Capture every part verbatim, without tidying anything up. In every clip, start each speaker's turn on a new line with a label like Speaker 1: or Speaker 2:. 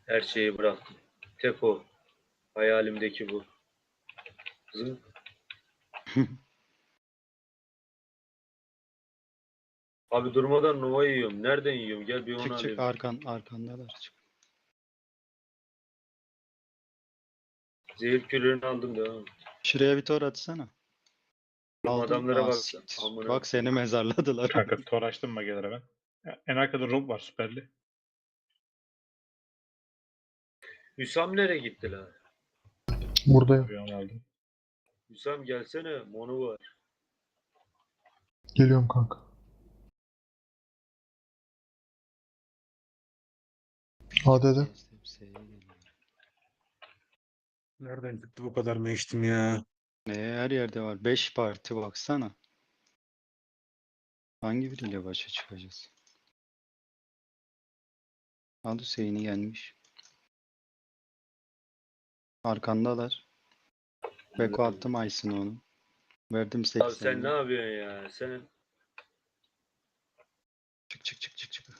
Speaker 1: Her şeyi bıraktım. Tek o. Hayalimdeki bu. Zınk. Abi durmadan Nova yiyorum. Nereden yiyorum? Gel bir onu
Speaker 2: Çık çık
Speaker 1: alayım.
Speaker 2: arkan arkandalar çık.
Speaker 1: Zehir kürünü aldım da.
Speaker 2: Şuraya bir tor atsana.
Speaker 1: Oğlum
Speaker 2: Aldın mı?
Speaker 1: adamlara
Speaker 2: Aa,
Speaker 1: bak.
Speaker 2: siktir.
Speaker 1: Amına.
Speaker 2: Bak seni mezarladılar.
Speaker 3: Kanka tor açtım magelere ben. Ya, en arkada Rob var süperli.
Speaker 1: Hüsam nereye gitti la?
Speaker 4: Buradayım.
Speaker 3: Bir onu aldım.
Speaker 1: Hüsam gelsene. Monu var.
Speaker 4: Geliyorum kanka. A D'de.
Speaker 5: Nereden çıktı bu kadar mı içtim ya?
Speaker 2: Ne her yerde var. beş parti baksana. Hangi biriyle başa çıkacağız? Al Hüseyin'i gelmiş. Arkandalar. Beko attım Aysin'e onu. Verdim
Speaker 1: Abi sen ne
Speaker 2: seksenini.
Speaker 1: yapıyorsun ya? Sen
Speaker 2: Çık çık çık çık çık.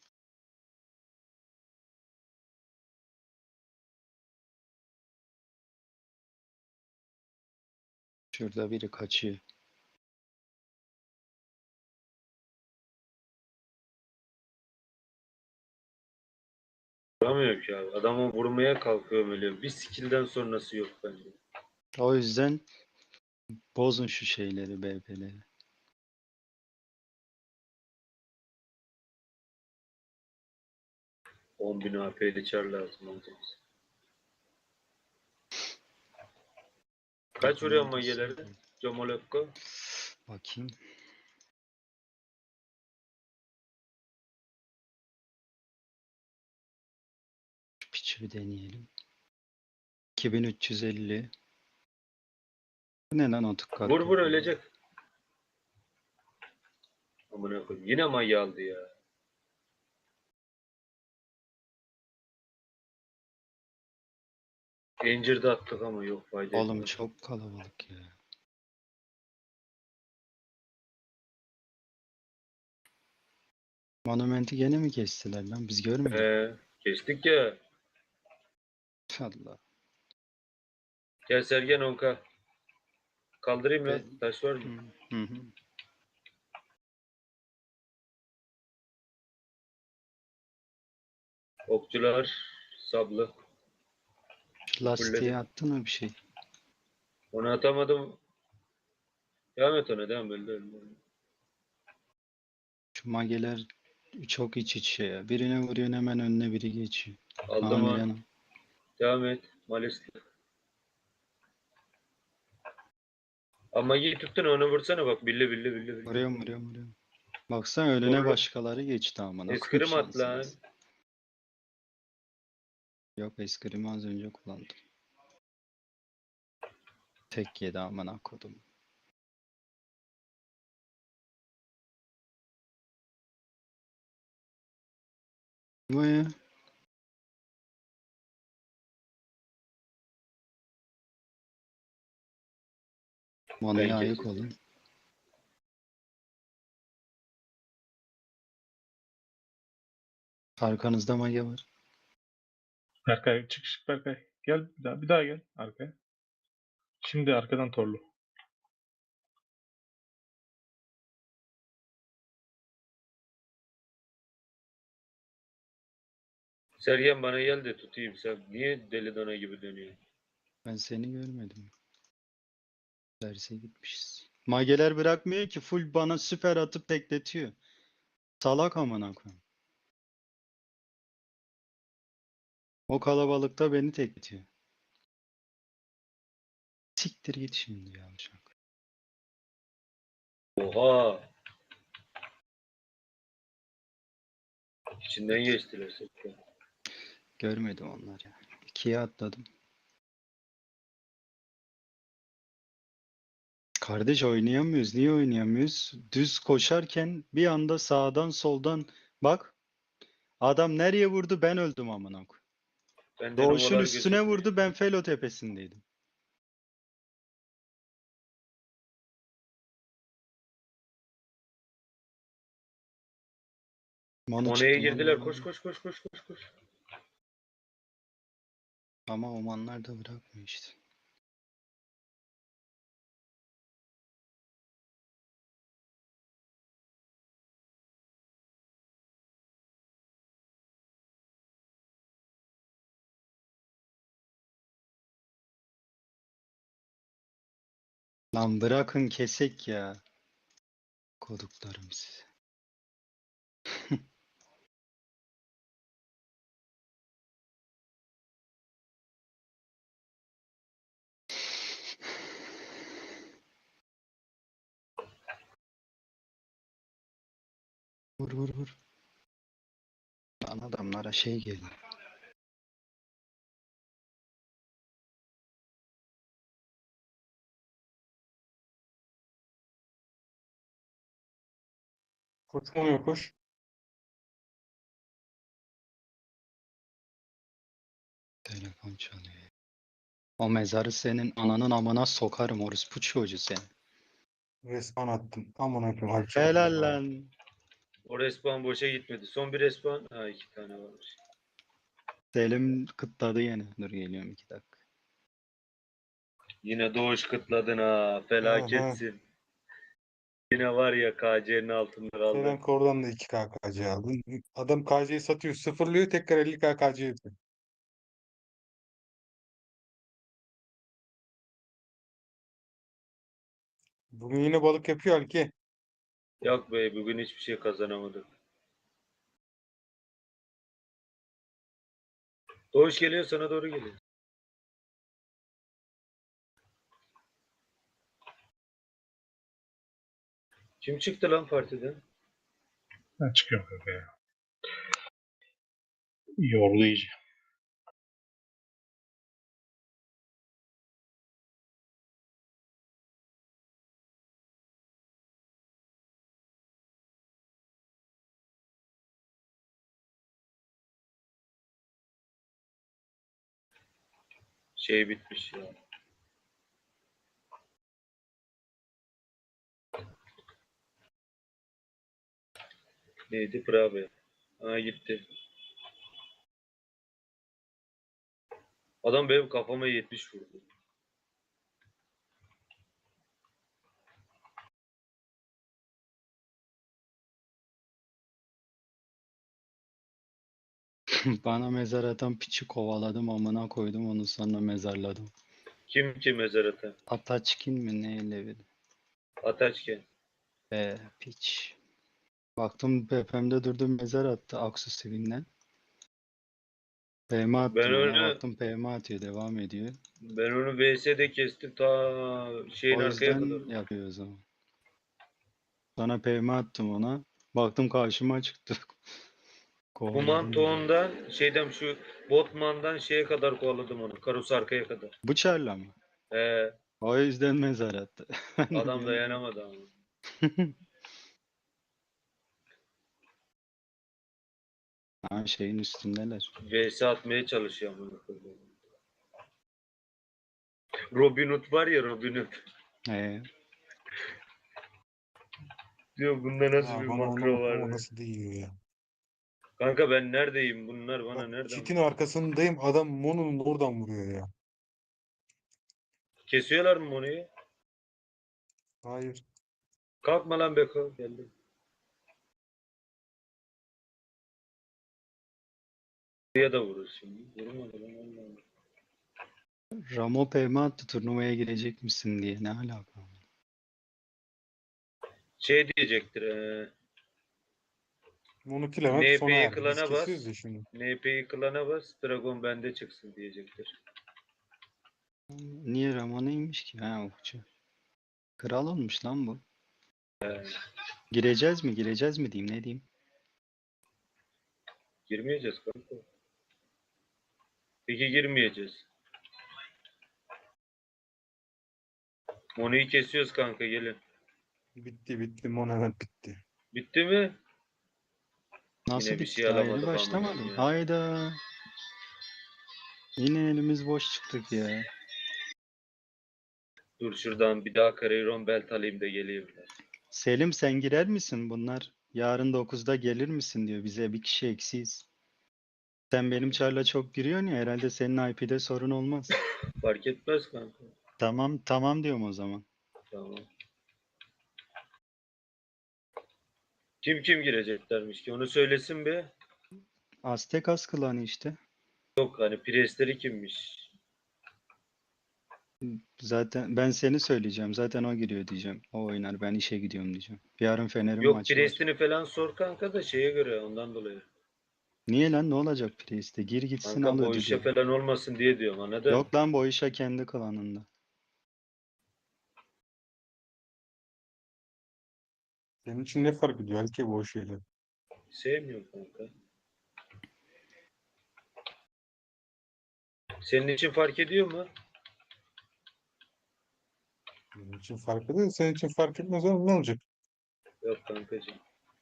Speaker 2: Şurada biri kaçıyor.
Speaker 1: vuramıyor ki abi. Adamı vurmaya kalkıyor böyle. Bir skill'den sonrası yok bence.
Speaker 2: O yüzden bozun şu şeyleri, B P'leri.
Speaker 1: on bin A P'li çar lazım olacak. Kaç vuruyor magelerde? Comolokko.
Speaker 2: Bakayım. Şu piçi bir deneyelim. iki bin üç yüz elli. Bu ne lan otuk kat?
Speaker 1: Vur vur ölecek. Amına koyayım. Yine magi aldı ya. Incir'de attık ama yok fayda
Speaker 2: Oğlum
Speaker 1: etmez.
Speaker 2: çok kalabalık ya. Monumenti gene mi kestiler lan? Biz görmedik.
Speaker 1: Ee, geçtik ya.
Speaker 2: Allah.
Speaker 1: Gel Sergen Onka. Kaldırayım
Speaker 2: Be
Speaker 1: lan. Taş var mı?
Speaker 2: hı hı.
Speaker 1: Okçular. Sablı.
Speaker 2: Şu lastiği
Speaker 1: Fulledim.
Speaker 2: attın mı bir şey?
Speaker 1: Onu atamadım. Devam et ona. Devam öldü öldü.
Speaker 2: Şu mageler çok iç içe ya. Birine vuruyorsun hemen önüne biri geçiyor. Aha
Speaker 1: Aldım onu.
Speaker 2: Milano.
Speaker 1: Devam et. Malisli. Ama iyi tuttun onu vursana bak. Billi billi billi billi.
Speaker 2: Vuruyorum vuruyorum vuruyorum. Baksana önüne
Speaker 1: Vururum.
Speaker 2: başkaları geçti amına koyayım
Speaker 1: Eskrim at lan.
Speaker 2: şansınız. Yok eskrimi az önce kullandım. Tek yedi amına kodum. Bu ya. Manaya
Speaker 1: Ben
Speaker 2: ayık
Speaker 1: kestim.
Speaker 2: olun. Arkanızda mage var.
Speaker 3: Berkay çık çık Berkay. Gel bir daha, bir daha gel arkaya. Şimdi arkadan torlu.
Speaker 1: Sergen bana gel de tutayım. Sen niye deli dana gibi dönüyorsun?
Speaker 2: Ben seni görmedim. Derse gitmişiz. Mageler bırakmıyor ki full bana süper atıp tekletiyor. Salak amına koyayım. O kalabalıkta beni tekletiyor. Siktir git şimdi ya uşak.
Speaker 1: Oha. İçinden geçtiler Sergen.
Speaker 2: Görmedim onlar ya. İkiye atladım. Kardeş oynayamıyoruz. Niye oynayamıyoruz? Düz koşarken bir anda sağdan soldan bak. Adam nereye vurdu ben öldüm amına koyayım.
Speaker 1: Benden
Speaker 2: Doğuş'un
Speaker 1: ovalar
Speaker 2: üstüne
Speaker 1: gözükmüyor.
Speaker 2: vurdu ben Felo tepesindeydim. Manu
Speaker 1: Mone'ye
Speaker 2: çıktı Manu
Speaker 1: girdiler.
Speaker 2: Manu.
Speaker 1: Koş
Speaker 2: Manu.
Speaker 1: koş koş koş koş koş.
Speaker 2: Ama Omanlar da bırakmıyor işte. Lan bırakın kesek ya. Koduklarım size. Vur vur vur. Lan adamlara şey geliyor.
Speaker 5: Koşmuyor koş.
Speaker 2: Telefon çalıyor. O mezarı senin ananın amına sokarım orospu çocuğu seni.
Speaker 5: Respawn attım. Amına koyayım. Halbuki
Speaker 2: Helal
Speaker 5: ya.
Speaker 2: lan.
Speaker 1: O respawn boşa gitmedi. Son bir respawn. Ha iki tane varmış.
Speaker 2: Selim kıtladı yine. Dur geliyorum iki dakika.
Speaker 1: Yine Doğuş kıtladın ha.
Speaker 5: Aha.
Speaker 1: Felaketsin. Yine var ya K C'nin altında
Speaker 5: Sedan
Speaker 1: kaldın.
Speaker 5: Kor'dan da iki K K C aldın. Adam K C'yi satıyor. Sıfırlıyor. Tekrar elli K K C yapıyor. Bugün yine balık yapıyor Halki.
Speaker 1: Yok be bugün hiçbir şey kazanamadık. Doğuş geliyor sana doğru geliyor. Kim çıktı lan partiden?
Speaker 3: Ben çıkıyorum kanka ya. Yordu iyice.
Speaker 1: Şey bitmiş ya. Neydi? Prabe. Ha gitti. Adam benim kafama yetmiş vurdu.
Speaker 2: Bana mezar atan piçi kovaladım amına koydum onu sonra mezarladım.
Speaker 1: Kim ki mezar atan?
Speaker 2: Ataçkin mi neyle bir?
Speaker 1: Ataçken.
Speaker 2: Be piç. Baktım tepemde durdu mezar attı Aksu Sevin'den. P M
Speaker 1: Ben
Speaker 2: attım ona
Speaker 1: onu
Speaker 2: baktım P M atıyor devam ediyor.
Speaker 1: ben onu V S'de kestim ta şeyin
Speaker 2: O
Speaker 1: arkaya kadar.
Speaker 2: yüzden yapıyor o zaman. Sonra P M attım ona. Baktım karşıma çıktı.
Speaker 1: Bu
Speaker 2: Kovaladım onu.
Speaker 1: mantondan şeyden şu Botman'dan şeye kadar kovaladım onu. Karus arkaya kadar.
Speaker 2: Bıçarla mı?
Speaker 1: Ee,
Speaker 2: O yüzden mezar attı. Ben de
Speaker 1: adam
Speaker 2: diyorum ki-
Speaker 1: dayanamadı ama.
Speaker 2: Ha şeyin üstündeler.
Speaker 1: V S atmaya çalışıyor ama. Robin Hood var ya Robin Hood.
Speaker 2: Ee,
Speaker 1: Diyor bunda nasıl
Speaker 5: Ya
Speaker 1: bir
Speaker 5: bana onu
Speaker 1: makro var
Speaker 5: o
Speaker 1: diyor.
Speaker 5: nasıl değiyor ya.
Speaker 1: Kanka ben neredeyim? Bunlar bana
Speaker 5: Bak
Speaker 1: nereden
Speaker 5: çitin
Speaker 1: vuruyor?
Speaker 5: arkasındayım. Adam Mono'nun oradan vuruyor ya.
Speaker 1: Kesiyorlar mı Mono'yu?
Speaker 5: Hayır.
Speaker 1: Kalkma lan Beko. Geldi. Buraya da vurur şimdi. Vurmadı lan Allah Allah.
Speaker 2: Ramo P M attı turnuvaya girecek misin diye. Ne alaka?
Speaker 1: Şey diyecektir. E,
Speaker 5: Mono kill hemen sona
Speaker 1: N P'yi
Speaker 5: erdi. Biz
Speaker 1: klana
Speaker 5: kesiyoruz
Speaker 1: bas.
Speaker 5: ya şimdi.
Speaker 1: N P'yi klana bas. Dragon bende çıksın diyecektir.
Speaker 2: Niye Ramo neymiş ki? Ha okçu. Kral olmuş lan bu. Gireceğiz mi? Gireceğiz mi diyeyim? Ne diyeyim?
Speaker 1: Girmeyeceğiz kanka. Peki girmeyeceğiz. Mono'yu kesiyoruz kanka gelin.
Speaker 5: Bitti bitti. Mono hemen bitti.
Speaker 1: Bitti mi?
Speaker 2: Nasıl
Speaker 1: Yine bir
Speaker 2: bitti?
Speaker 1: şey
Speaker 2: Daha yeni
Speaker 1: alamadık
Speaker 2: başlamadım.
Speaker 1: amına ya.
Speaker 2: Hayda. Yine elimiz boş çıktık ya.
Speaker 1: Dur şuradan bir daha Carrieron belt alayım da geleyim.
Speaker 2: Selim sen girer misin? Bunlar yarın dokuzda gelir misin diyor. Bize bir kişi eksiyiz. Sen benim çarla çok giriyorsun ya, herhalde senin I P'de sorun olmaz.
Speaker 1: Fark etmez kanka.
Speaker 2: Tamam tamam diyorum o zaman.
Speaker 1: Tamam. Kim kim gireceklermiş ki? Onu söylesin be.
Speaker 2: Aztekas klanı işte.
Speaker 1: Yok hani Priestleri kimmiş?
Speaker 2: Zaten ben seni söyleyeceğim. Zaten o giriyor diyeceğim. O oynar. Ben işe gidiyorum diyeceğim. Yarın Fener'in
Speaker 1: Yok
Speaker 2: maçı var.
Speaker 1: Priest'ini falan sor kanka da şeye göre ondan dolayı.
Speaker 2: Niye lan, ne olacak Priest'e? Gir gitsin,
Speaker 1: Kanka
Speaker 2: al
Speaker 1: bu işe
Speaker 2: ödülü.
Speaker 1: falan olmasın diye diyorum anladın?
Speaker 2: Yok lan, bu işe kendi klanında.
Speaker 5: Senin için ne fark ediyor ki bu şeyler?
Speaker 1: Sevmiyorum kanka. Senin için fark ediyor mu?
Speaker 5: Benim için fark ediyor. Senin için fark etmez oğlum, ne olacak?
Speaker 1: Yok kankacığım.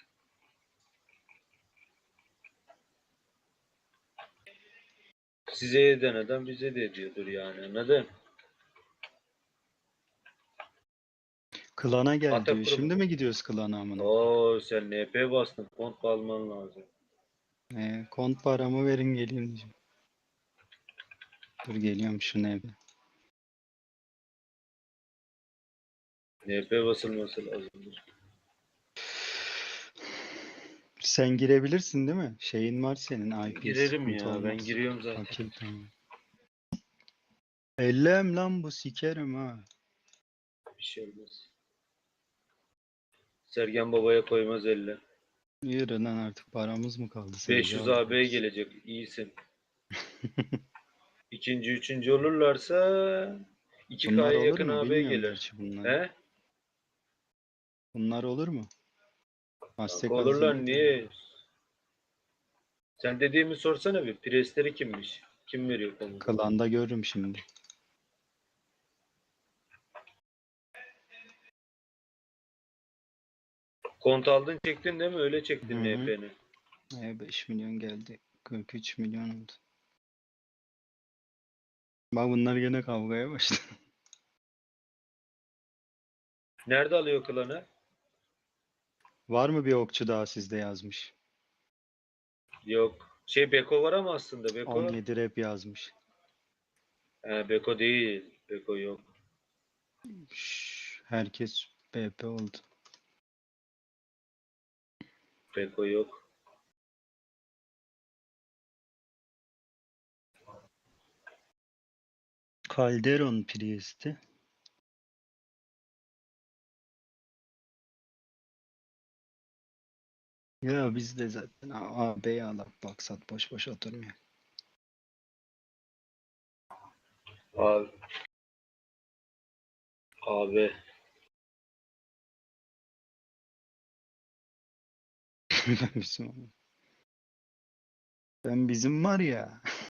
Speaker 1: Size eden adam bize de ediyordur yani anladın?
Speaker 2: Klana gel
Speaker 1: Atak
Speaker 2: diyor.
Speaker 1: kurumu.
Speaker 2: Şimdi mi gidiyoruz klana amına?
Speaker 1: Oo sen N P bastın. Kont alman lazım.
Speaker 2: Ee, kont paramı verin geleyim diyeceğim. Dur geliyorum şu ne bir.
Speaker 1: N P basılması lazımdır.
Speaker 2: Sen girebilirsin değil mi? Şeyin var senin, I P
Speaker 1: Girerim
Speaker 2: sıkıntı
Speaker 1: ya. Ben
Speaker 2: olmaz.
Speaker 1: giriyorum zaten.
Speaker 2: Okey tamam. Ellem lan bu, sikerim ha.
Speaker 1: Bir şey olmaz. Sergen Baba'ya koymaz elle.
Speaker 2: Yürü lan, artık paramız mı kaldı?
Speaker 1: beş
Speaker 2: Seyirci
Speaker 1: yüz A B'ye
Speaker 2: alıyoruz.
Speaker 1: gelecek. İyisin. İkinci, üçüncü olurlarsa iki
Speaker 2: Bunlar
Speaker 1: K'ya
Speaker 2: olur
Speaker 1: yakın
Speaker 2: mu?
Speaker 1: A B
Speaker 2: Bilmiyorum
Speaker 1: gelir.
Speaker 2: gerçi bunları.
Speaker 1: He?
Speaker 2: Bunlar olur mu?
Speaker 1: Kanka
Speaker 2: Aztek
Speaker 1: olurlar
Speaker 2: Azimut.
Speaker 1: niye? Sen dediğimi sorsana bir. Presleri kimmiş? Kim veriyor komutu?
Speaker 2: Klanda görürüm şimdi.
Speaker 1: Kont aldın çektin değil mi? Öyle çektin
Speaker 2: Hı hı.
Speaker 1: N P'ni.
Speaker 2: E, beş milyon geldi. kırk üç milyon oldu. Bak bunlar gene kavgaya başladı.
Speaker 1: Nerede alıyor klanı?
Speaker 2: Var mı bir okçu daha sizde yazmış?
Speaker 1: Yok. Şey Beko var ama aslında Beko.
Speaker 2: on yedi rap yazmış.
Speaker 1: He, Beko değil. Beko yok.
Speaker 2: Şşş, herkes B P oldu.
Speaker 1: Beko yok.
Speaker 2: Calderon Priest'i. Ya biz de zaten A B'ye alak baksat, boş boş oturmuyor.
Speaker 1: Abi. Abi.
Speaker 2: Ben bizim, ben bizim var ya.